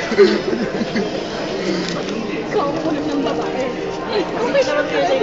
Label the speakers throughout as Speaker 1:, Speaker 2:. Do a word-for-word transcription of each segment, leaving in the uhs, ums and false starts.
Speaker 1: Ikaw ang kulit ng babae. Okay naman kayo.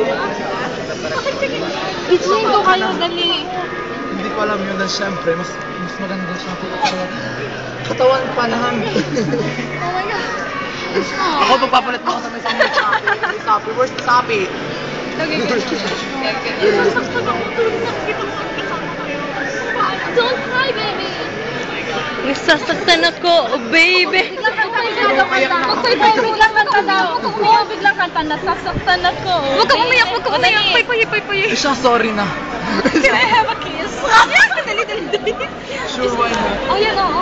Speaker 1: Bitchin ko kayo, dali.
Speaker 2: Hindi ko alam yun na siyempre, mas, mas maganda siya. Katawan pa namin.
Speaker 1: Oh my God.
Speaker 2: Ako magpapalit mo ako sa may samay Sapi. Sapi, where's the Sapi?
Speaker 1: Lagi ka. Isasaktan ako doon. Nakikita mo ang kasama kayo. Don't cry, baby.
Speaker 3: Nasasaktan ako, oh baby.
Speaker 1: Biglang kanta daw. Okay, baby, biglang kanta daw. Oo, biglang kanta. Nasasaktan ako.
Speaker 3: Huwag ka umiyak, huwag ka umiyak. Pay, pay, pay, pay.
Speaker 2: Siya, sorry na.
Speaker 1: Can I have a kiss? Dali, dali, dali.
Speaker 2: Sure, why not?
Speaker 1: Oh, yan, oo.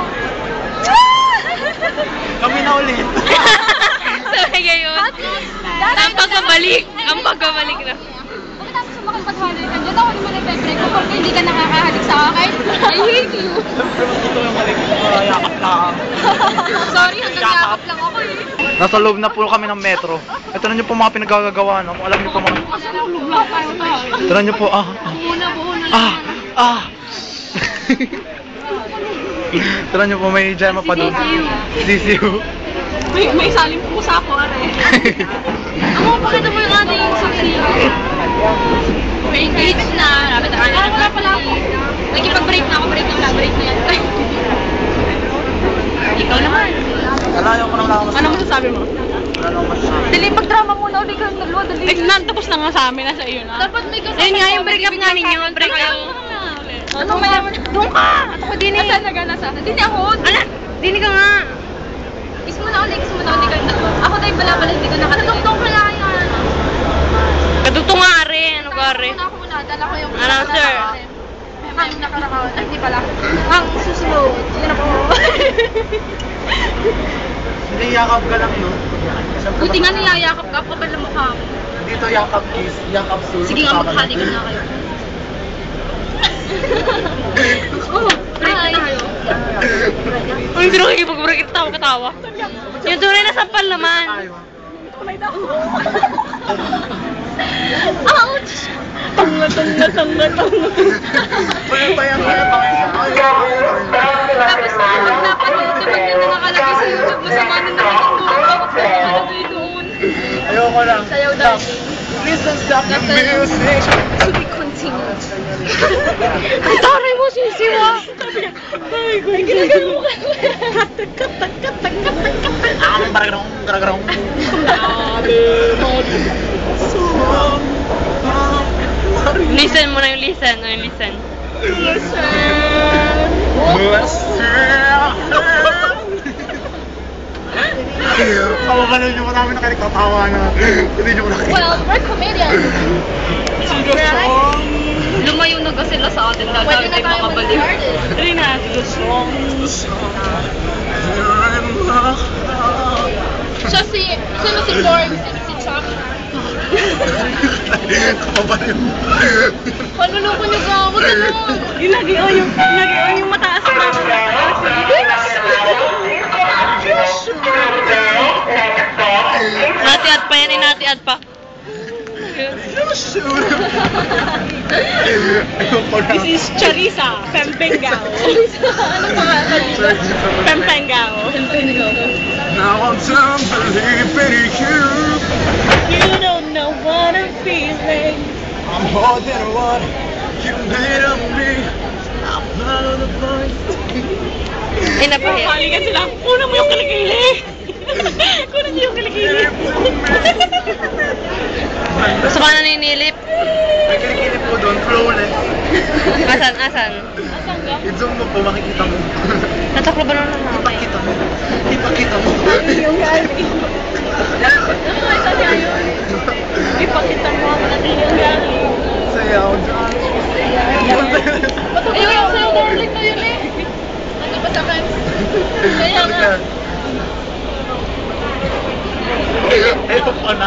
Speaker 2: Kami na ulit.
Speaker 3: Sabi ngayon. Ang pagbabalik. Ang pagbabalik na.
Speaker 1: Pagkatapos sa makipag-halik ka, dyan ako naman nag-break ko porque hindi ka nakakahalik sa akin. I hate you.
Speaker 2: Ito yung mali. Yakap lang.
Speaker 1: Sorry, hanggang yakap lang ako eh.
Speaker 2: Nasa loob na po kami ng metro. Ito na niyo po mga pinagagagawa, no? Kung alam niyo po mga... Ito na niyo po, ah.
Speaker 1: Buhuna, buhuna
Speaker 2: Ah, ah. Ito na niyo po, may Gemma pa doon. Sisiu.
Speaker 1: May, may saling pusa ko, are. Amo, pakita mo yung ating susi. May engage na. Lapit na kanya. Wala pala ako. Nagkipag-break na ako. Break na lang. Break na yan. Ikaw naman.
Speaker 2: Alayaw ko na wala akong masasabi.
Speaker 1: Ano masasabi mo?
Speaker 2: Wala akong masasabi.
Speaker 1: Dali, mag-drama muna. Uli ka yung dalawa. Dali.
Speaker 3: Eh, na, tapos na nga sa amin. Nasa iyo na.
Speaker 1: Dapat may kasama.
Speaker 3: Ayun nga yung break up nga ninyo. Break up.
Speaker 1: Ano mayaman?
Speaker 3: Doon ka! At ako din eh.
Speaker 1: Nasaan na gana sa? Hindi ako.
Speaker 3: Ala! Dini ka nga.
Speaker 1: Kiss mo na ulit. Kiss mo na ulit kayong dalawa. Ako tayo bala-bala. Hindi ko nakatagal. Tutong ko lang yan.
Speaker 3: Kaduto nga are. Ano ka are?
Speaker 1: Ako ako muna. Dala ko yung...
Speaker 3: Ano, sir?
Speaker 1: Ang nakarakaw. Ay, hindi pala. Ang susunod. Yun ako.
Speaker 2: Hindi, yakap ka lang, no?
Speaker 1: Buti nga niyayakap ka. Kapal na mukha mo.
Speaker 2: Dito yakap kiss, yakap sul.
Speaker 1: Sige nga, maghali ka na kayo. Oh, break na tayo.
Speaker 3: Uy, sino kakipag-break? Katawa-katawa. Yung tunay na sampal naman.
Speaker 1: Tunay na. Ouch! Tanga, tanga, tanga, tanga.
Speaker 2: Paya, paya, paya, paya.
Speaker 1: Tapos, dapat yun, dapat yun na nakalagay sa YouTube. Masama na nakatulog. Dapat yun nakalagay doon.
Speaker 2: Ayoko lang.
Speaker 1: Sayaw daw.
Speaker 2: Please don't stop the music.
Speaker 1: To be continued.
Speaker 3: Ang taray mo, sisiwa.
Speaker 1: Ay, ko. Ginagano mo ka. Katak, katak, katak, katak, katak.
Speaker 2: Ah, baragrong, baragrong.
Speaker 3: Listen mo na yung listen. Ano yung listen?
Speaker 2: Kawakalan niyo marami na kayo nagtatawa na. Hindi niyo ko nakikita.
Speaker 1: Well, we're comedians.
Speaker 3: Lumayo na kasi sila sa atin.
Speaker 1: Pwede na tayo maging artist.
Speaker 3: Dali na.
Speaker 1: Siya si, sino si Forbes? Si Chuck.
Speaker 2: Kapabayo.
Speaker 1: Panuloko niyo ka. Huwag ganun.
Speaker 3: Yung lagi o yung, lagi o yung mataas na. Nati-ad pa yan, inati-ad pa. This is Charissa Pempengao.
Speaker 1: Ano pa?
Speaker 3: Pempengao.
Speaker 2: Now I'm done believing you.
Speaker 3: You don't know what I'm feeling.
Speaker 2: I'm more than what you made of me. I'm not on the point.
Speaker 3: Ay, napahiya. Kaligan sila. Kunan mo yung kilikili. Kunan niyo yung kilikili. Gusto ka na naninilip?
Speaker 2: May kilikili po doon, flawless.
Speaker 3: Asan? Asan?
Speaker 2: I-zoom mo po, makikita mo.
Speaker 3: Nataklo ba naman na?
Speaker 2: Ipakita mo. Ipakita mo.
Speaker 1: Yung galing. Ipakita mo ang natin yung galing.
Speaker 2: Sayaw dyan.
Speaker 1: Ayun yung sa'yo, darling na yun eh. Ano ba sa akin? Kaya nga.
Speaker 2: Ito pa na.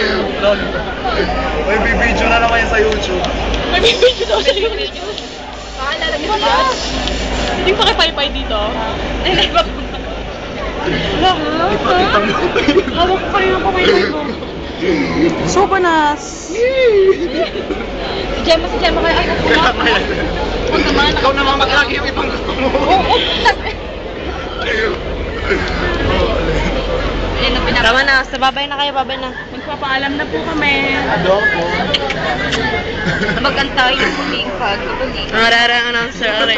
Speaker 2: May bibidyo na naman yan sa YouTube.
Speaker 3: May bibidyo daw sa YouTube.
Speaker 1: Paalala mo siya.
Speaker 3: Hindi pa kay Paypay dito. Ay, ba? Wala ha?
Speaker 2: Ipakita mo.
Speaker 3: Hawak ko pa rin ang Paypay ko. So banas.
Speaker 1: Si Gemma, si Gemma kaya. Ay, ako na. Huwag naman.
Speaker 2: Ikaw naman maglagi yung ibang gusto mo.
Speaker 1: Oo, oo.
Speaker 2: Oh,
Speaker 3: Sa babay na kayo, babay na.
Speaker 1: Magpapaalam na po kami.
Speaker 3: Magantay yung huling pag. Ang rara announcer, are.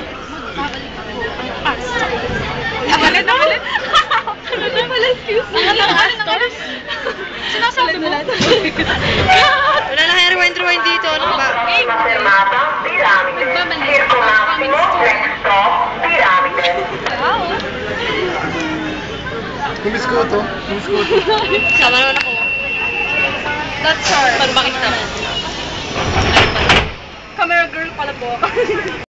Speaker 1: Agalit, agalit. Ano na pala, excuse me? Ano na stars? Sinasabi mo?
Speaker 3: Wala na kayo rewind, rewind dito. Ano ba?
Speaker 2: Kumiskuto. Kumiskuto.
Speaker 3: Sama naman ako. That's her. Para makita.
Speaker 1: Camera girl pala po.